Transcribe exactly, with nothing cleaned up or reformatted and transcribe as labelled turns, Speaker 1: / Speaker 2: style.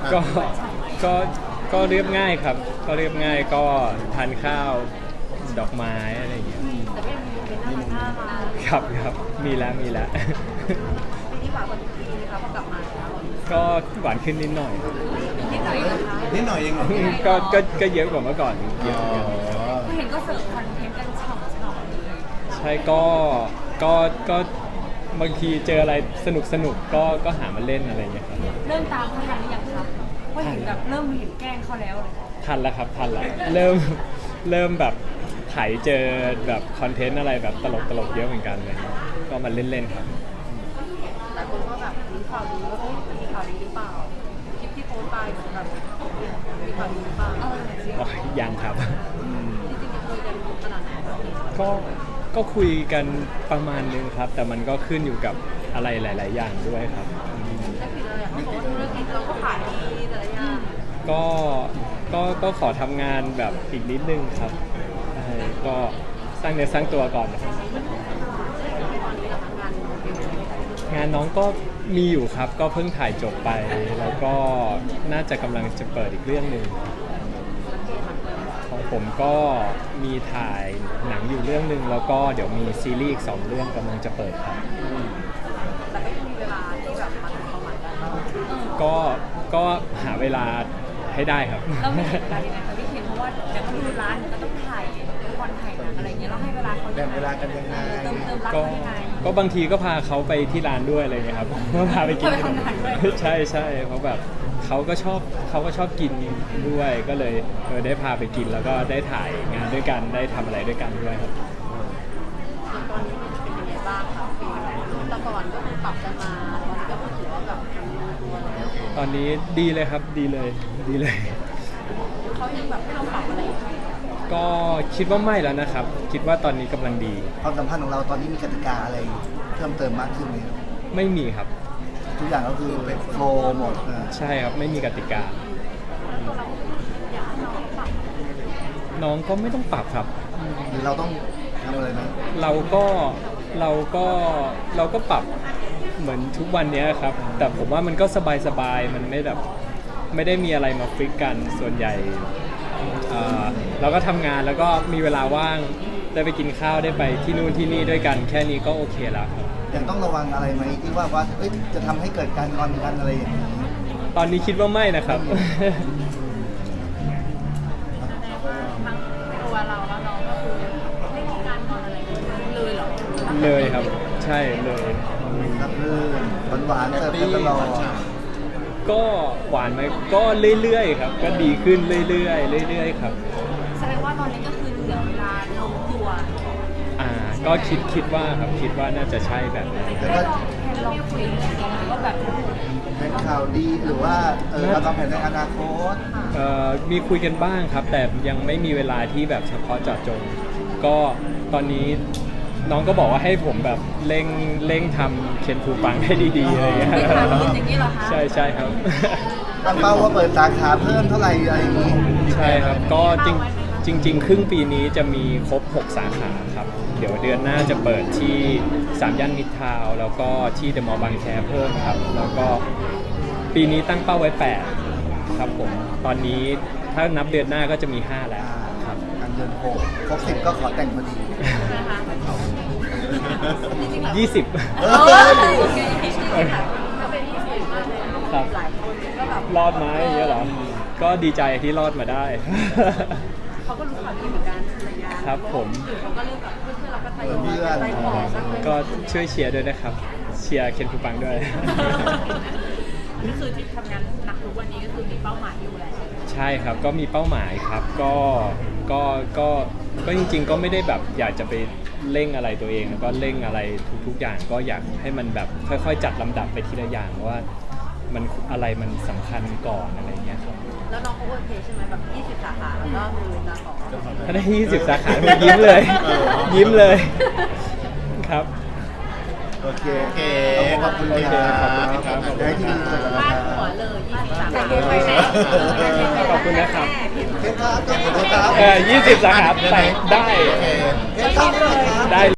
Speaker 1: ก็ก็ก็เรียบง่ายครับก็เรียบง่ายก็ทานข้าวดอกไม้อะไรอย่างเงี้ย
Speaker 2: แต่ก็ยังมีเป็นน่ารักน่ารัก
Speaker 1: ครับครับมีแล้วมีแล้ว
Speaker 2: ปีนี้หวานกว่าทุกปีนะคะพอกลับมาแล้ว
Speaker 1: ก็หวานขึ้นนิดหน่อย
Speaker 2: นิดหน่อยนะคะ
Speaker 3: นิดหน่อยเองเหรอ
Speaker 1: ก็ก็ก็เยอะกว่าเมื่อก่อนเยอะเหมือนกัน
Speaker 2: ก็เห็นก็เสิร์ฟคอนเทนต์กันฉ่ำๆเลย
Speaker 1: ใช่ก็ก็ก็บางทีเจออะไรสนุกสนุกก็ก็หามาเล่นอะไรอย่างเงี้ยครับ
Speaker 2: เริ่มตามเขาทันหรือยังครับว่าเห็นแบบเริ่มเห็นแกล้งเขาแล้วเลย
Speaker 1: ทันแล้วครับทันแล้วเริ่มเริ่มแบบไถเจอแบบคอนเทนต์อะไรแบบตลกตลกเยอะเหมือนกันเลยก็มาเล่นๆครับ
Speaker 2: หลายคนก็แบบมีข่าวดีว่าเฮ้ยจะมีข่าวดีหรือเปล่าคลิปที่โพสต์ไปเหมือนแบบมีข่าวดีหรือเปล่าเออจริง
Speaker 1: อ๋อยังครับ
Speaker 2: ๆจะคุยกันขนาดไหนครับ
Speaker 1: ก็ก็คุยกันประมาณนึงครับ แต่มันก็ขึ้นอยู่กับอะไรหลาย ๆ อย่างด้วยครับอืม
Speaker 2: ก็คือเราอยากให้โพสต์ธุรกิจเราก็ขายดีแต่ละอย่าง
Speaker 1: ก็ก็ก็ขอทำงานแบบอีกนิดนึงครับใช่ก็สร้างเนื้อสร้างตัวก่อนนะครับ
Speaker 2: ตอนนี้เราทำงานเป็นยังไง
Speaker 1: งานน้องก็มีอยู่ครับ ก็เพิ่งถ่ายจบไป แล้วก็น่าจะกำลังจะเปิดอีกเรื่องหนึ่งของผมก็มีถ่ายหนังอยู่เรื่องหนึ่งแล้วก็เดี๋ยวมีซีรีส์อีกสองเรื่องกำลังจะเปิดครับ
Speaker 2: แต่ก็ยังมีเวลาที่แบบมาทำความหมายได้บ้าง
Speaker 1: ก็ก็หาเวลาให้ได้ครับ
Speaker 2: เราไม่เห็นการยังไงคะพี่เคนเพราะว่าเดี๋ยวก็ดูร้านเดี๋ยวก็ต้องถ่ายละครถ่ายหนังอะไรอย่างเงี้ยเราให้เวลาเขา
Speaker 3: แบ่งเวลากันยังไง
Speaker 2: เติมเติมรัก
Speaker 1: ก็
Speaker 2: เขายังไง
Speaker 1: ก็บางทีก็พาเขาไปที่ร้านด้วยอะไรเงี้ยครับ ก็พาไปกิน
Speaker 2: ไปทำงานด้วย
Speaker 1: ใช่ใช่เพราะแบบเขาก็ชอบเขาก็ชอบกินด้วยก็เลยเออได้พาไปกินแล้วก็ได้ถ่ายงานด้วยกันได้ทำอะไรด้วยกันด้วยครับ
Speaker 2: ตอนนี้เป็นยังไงบ้างคะปีแต่ก่อนก็คือปรับกันมาตอนนี้ก็คือถือว่าแบบรู้ตัวแล้ว
Speaker 1: ตอนนี้ดีเลยครับดีเลยดีเลย
Speaker 2: เขายังแบบให้เราปรับอะไรอยู่ไหม
Speaker 1: ก็คิดว่าไม่แล้วนะครับ คิดว่าตอนนี้กำลังดี
Speaker 3: ความสัมพันธ์ของเราตอนนี้มีกติกาอะไรเพิ่มเติมมากขึ้นไหม
Speaker 1: ไม่มีครับ
Speaker 3: ทุกอย่างก็คือเป็นโฟล์หมดอ่า
Speaker 1: ใช่ครับไม่มีกติกา
Speaker 2: แล้วตัวเราอยากให้น้องปรับ
Speaker 1: น้องก็ไม่ต้องปรับครับ
Speaker 3: หรือเราต้องทำอะไรไหม
Speaker 1: เราก็เราก็เราก็ปรับเหมือนทุกวันเนี้ยครับ แต่ผมว่ามันก็สบายๆมันไม่แบบไม่ได้มีอะไรมาฟิกกันส่วนใหญ่เอ่อเราก็ทำงานแล้วก็มีเวลาว่างได้ไปกินข้าวได้ไปที่นู่นที่นี่ด้วยกันแค่นี้ก็โอเคแล้วครับ
Speaker 3: ยังต้องระวังอะไรไหมที่ว่าว่าเอ้ยจะทำให้เกิดการงอนกันอะไรอย่างนี้
Speaker 1: ตอนนี้คิดว่าไม่นะครับ
Speaker 2: ทั้งตัวเราแล้วน้องก็คือไม่มีการนอนอะไรเลยเหรอ
Speaker 1: เลยครับใช่เลย
Speaker 3: รับรื่นหวานๆเสิร์ฟกันตลอด
Speaker 1: ก็หวานไหมก็เรื่อยๆครับ ก็ดีขึ้นเรื่อยๆเรื่อยๆครับ
Speaker 2: แสดงว่าตอนนี้ก็คือเหลือเวลาลงตัว
Speaker 1: อ่าก็คิดคิดว่าครับคิดว่าน่าจะใช่แบบนั้น
Speaker 3: แต่
Speaker 2: ได้
Speaker 3: ก็
Speaker 2: ลองแค่ลองคุยกันเองหรือว่าแบบ
Speaker 3: เป็นข่าวดีหรือว่าเออเราวางแผนในอนาคต
Speaker 1: เอ่อมีคุยกันบ้างครับ แต่ยังไม่มีเวลาที่แบบเฉพาะเจาะจง ก็ตอนนี้น้องก็บอกว่าให้ผมแบบเร่งเร่งทำเคนฟูปังให้ดีๆอะไรอย่างเงี้ย
Speaker 2: ไม่ถามคุณอย่างนี้เหรอคะ
Speaker 1: ใช่ใช่ครับ
Speaker 3: ตั้งเป้าว่าเปิดสาขาเพิ่มเท่าไหร่อะไรอย่างนี้
Speaker 1: ใช่ครับก็จริงจริง ๆ ครึ่งปีนี้จะมีครบหกสาขาครับ เดี๋ยวเดือนหน้าจะเปิดที่สามย่านมิตรทาวน์แล้วก็ที่เดอะมอลล์บางแคเพิ่มครับ แล้วก็ปีนี้ตั้งเป้าไว้แปดครับผมตอนนี้ถ้านับเดือนหน้าก็จะมีห้าแล้ว
Speaker 3: อ่า
Speaker 1: ครับ
Speaker 3: อันเดือนหกครบสิบก็ขอแต่งพอดี
Speaker 2: นะคะจริงๆแล้ว
Speaker 1: ยี่สิบ
Speaker 3: เอ
Speaker 2: เอ
Speaker 3: อ
Speaker 2: อโอเคจริงๆค่ะก็เป็นที่สวยมากเลย
Speaker 1: ครับ
Speaker 2: หลายคนก็แบบ
Speaker 1: รอดไหมอย่างเงี้ยเหรอ ก็ดีใจที่รอดมาได้
Speaker 2: เขาก็รู้ข่าวดีเหมือนกันอะไรอย่างเงี้ย
Speaker 1: ครับผม
Speaker 2: เขาก็เริ่มแบบเพื่อนๆเราก็ทยอยไปขอสักเลย
Speaker 1: ก็ช่วยเชียร์ด้วยนะครับ เชียร์เคนฟูปังด้วย
Speaker 2: นี่คือที่ทำงานหนักทุกวันนี้ก็คือมีเป้าหมายอยู่แหละ
Speaker 1: ใช่ครับ ก็มีเป้าหมายครับ ก็ ก็ ก็ ก็จริงๆ ก็ไม่ได้แบบอยากจะไปเร่งอะไรตัวเอง แล้วก็เร่งอะไรทุกๆ อย่าง ก็อยากให้มันแบบค่อยๆ จัดลำดับไปทีละอย่างว่ามันอะไรมันสำคัญก่อนอะไรเงี้ยครับ
Speaker 2: แล้วน้องเขาโอเคใช่ไหมแบบยี่สิบสาขาแล้วก็คือจะขอ
Speaker 1: ถ้าได้ยี่สิบสาขาผมยิ้มเลย ยิ้มเลย ครับ
Speaker 3: โอเคโอเคขอบคุณ
Speaker 1: โอเค
Speaker 3: ค
Speaker 1: ข
Speaker 3: รั
Speaker 1: อ
Speaker 3: บบ
Speaker 1: คุณครับ
Speaker 3: เดี๋ยวให้ที่ดีเสร็จแล้วนะ
Speaker 2: บ้า
Speaker 3: คน รับ
Speaker 2: หัวเลยยี่สิบสาขา
Speaker 1: ขอบคุณนะครับ
Speaker 3: เคล็ดลับขอบคุณครับ
Speaker 1: เออยี่สิบสาขาแต่ได้
Speaker 3: โอเคเคล็ดลับเลยครับ
Speaker 1: ได้